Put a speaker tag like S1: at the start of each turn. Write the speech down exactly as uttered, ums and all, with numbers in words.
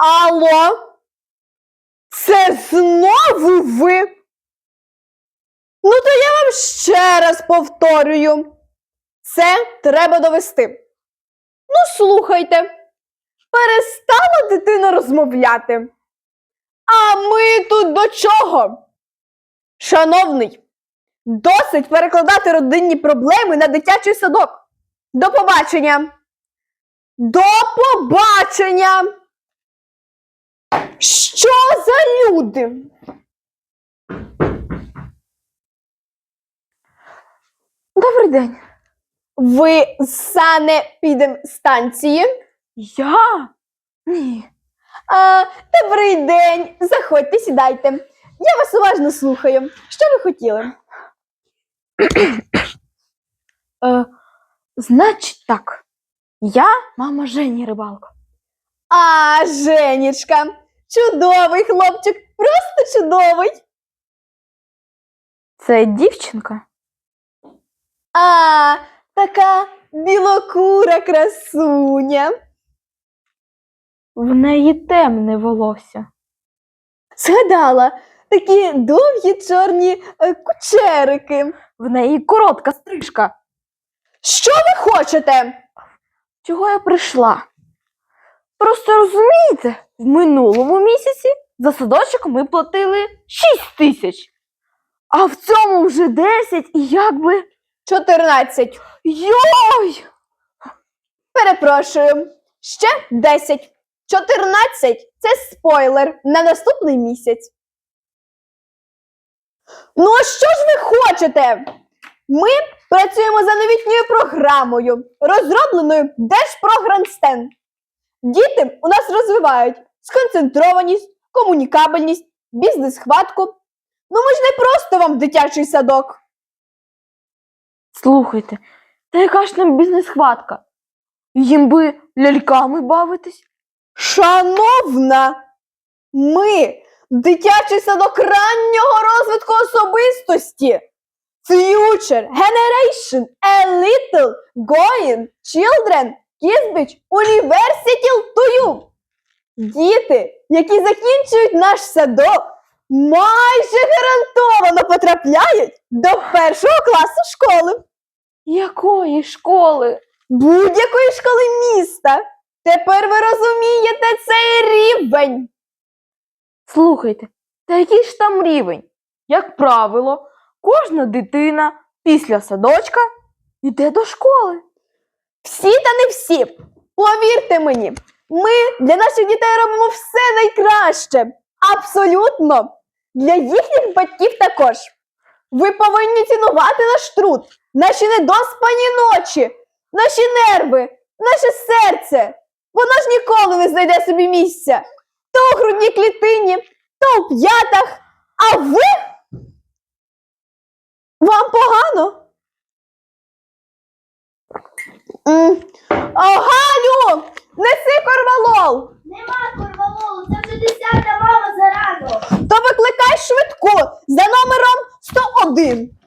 S1: Алло? Це знову ви? Ну, то я вам ще раз повторюю. Це треба довести. Ну, слухайте. Перестала дитина розмовляти. А ми тут до чого? Шановний, досить перекладати родинні проблеми на дитячий садок. До побачення. До побачення. Що за люди? Добрий день. Ви з санепідемстанції? Я? Ні. А, добрий день. Заходьте, сідайте. Я вас уважно слухаю. Що ви хотіли? е, значить так. Я мама Жені Рибалко. А, Женечка. Чудовий хлопчик. Просто чудовий. Це дівчинка? А, така білокура красуня. В неї темне волосся. Згадала, такі довгі чорні е, кучерики. В неї коротка стрижка. Що ви хочете? Чого я прийшла? Просто розумієте, в минулому місяці за садочок ми платили шість тисяч. А в цьому вже десять і якби... чотирнадцять. Йой! Перепрошую. Ще десять. чотирнадцять – це спойлер на наступний місяць. Ну, а що ж ви хочете? Ми працюємо за новітньою програмою, розробленою Держпрогранстен. Діти у нас розвивають сконцентрованість, комунікабельність, бізнес-хватку. Ну, ми ж не просто вам дитячий садок. Слухайте, та яка ж нам бізнес-хватка? Їм би ляльками бавитись. Шановна, ми дитячий садок раннього розвитку особистості. Future Generation A Little Going Children Kisbich University to You. Діти, які закінчують наш садок, майже гарантовано потрапляють до першого класу школи. Якої школи? Будь-якої школи міста. Тепер ви розумієте цей рівень. Слухайте, та який ж там рівень? Як правило, кожна дитина після садочка йде до школи. Всі та не всі. Повірте мені, ми для наших дітей робимо все найкраще. Абсолютно. Для їхніх батьків також. Ви повинні цінувати наш труд, наші недоспані ночі, наші нерви, наше серце. Воно ж ніколи не знайде собі місця. То у грудній клітині, то у п'ятах. А ви? Вам погано? М. О, Галю, неси корвалол.
S2: Нема корвалолу, це вже десята мама зарано.
S1: То викликай швидку за номером сто один.